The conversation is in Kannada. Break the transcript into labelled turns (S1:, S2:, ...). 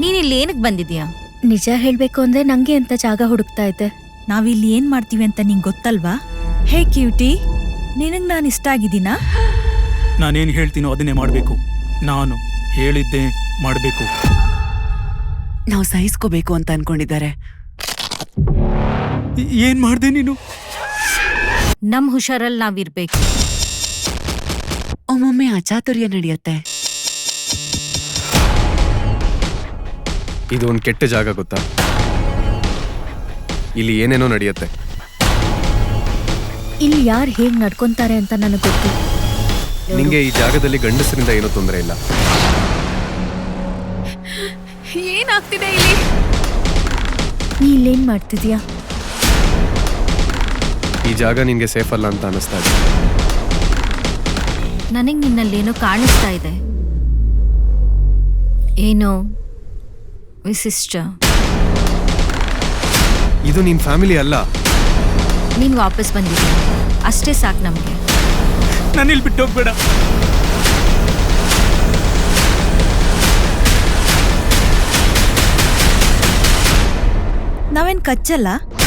S1: ನೀನಿಲ್ಲಿ ಏನಕ್ಕೆ ಬಂದಿದ್ಯಾ?
S2: ನಿಜ ಹೇಳ್ಬೇಕು ಅಂದ್ರೆ ನಂಗೆ ಅಂತ ಜಾಗ ಹುಡುಕ್ತಾ ಇದ್ದೆ.
S3: ನಾವಿಲ್ಲಿ ಏನ್ ಮಾಡ್ತೀವಿ ಅಂತ ನಿಂಗೆ ಗೊತ್ತಲ್ವಾ? ಹೇ ಕ್ಯೂಟಿ, ನಿನಗ್ ನಾನು ಇಷ್ಟ ಆಗಿದ್ದೀನಾ?
S4: ನಾನೇನು ಹೇಳ್ತೀನೋ ಅದನ್ನೇ ಮಾಡಬೇಕು. ನಾನು ಹೇಳಿದ್ದೆ ಮಾಡಬೇಕು.
S5: ನಾವು ಸಹಿಸ್ಕೋಬೇಕು ಅಂತ ಅನ್ಕೊಂಡಿದ್ದಾರೆ.
S4: ಏನ್ ಮಾಡ್ದೆ ನೀನು?
S1: ನಮ್ ಹುಷಾರಲ್ಲಿ ನಾವಿರ್ಬೇಕು.
S5: ಒಮ್ಮೊಮ್ಮೆ ಅಚಾತುರ್ಯ ನಡೆಯುತ್ತೆ.
S6: ಇದು ಒಂದು ಕೆಟ್ಟ ಜಾಗ ಗೊತ್ತಾ? ಇಲ್ಲಿ ಏನೇನೋ ನಡೆಯುತ್ತೆ.
S2: ಇಲ್ಲಿ ಯಾರು ಹೇಗ್ ನಡ್ಕೊಂತಾರೆ ಅಂತ ನನಗೆ ಗೊತ್ತು.
S6: ನಿಂಗೆ ಈ ಜಾಗದಲ್ಲಿ ಗಂಡಸರಿಂದ ಏನೂ ತೊಂದರೆ ಇಲ್ಲ.
S3: ಏನಾಗ್ತಿದೆ ಇಲ್ಲಿ?
S2: ನೀ ಇಲ್ಲೇನ್ ಮಾಡ್ತಿದ್ಯಾ?
S6: ಈ ಜಾಗ ನಿನ್ಗೆ ಸೇಫ್ ಅಲ್ಲ ಅಂತ ಅನಿಸ್ತಾ ಇದೆ.
S1: ನನಗ್ ನಿನ್ನಲ್ಲೇನೋ ಕಾಣಿಸ್ತಾ ಇದೆ. ಏನೋ ವಿಶಿಷ್ಟ.
S6: ಇದು ನಿನ್ ಫ್ಯಾಮಿಲಿ ಅಲ್ಲ.
S1: ನೀನ್ ವಾಪಸ್ ಬಂದಿದ್ಯಾ, ಅಷ್ಟೇ ಸಾಕು ನಮ್ಗೆ.
S4: ನಾನು ಇಲ್ಲಿ ಬಿಟ್ಟು ಹೋಗ್ಬೇಡ.
S3: ನಾವೇನ್ ಕಚ್ಚಲ್ಲ?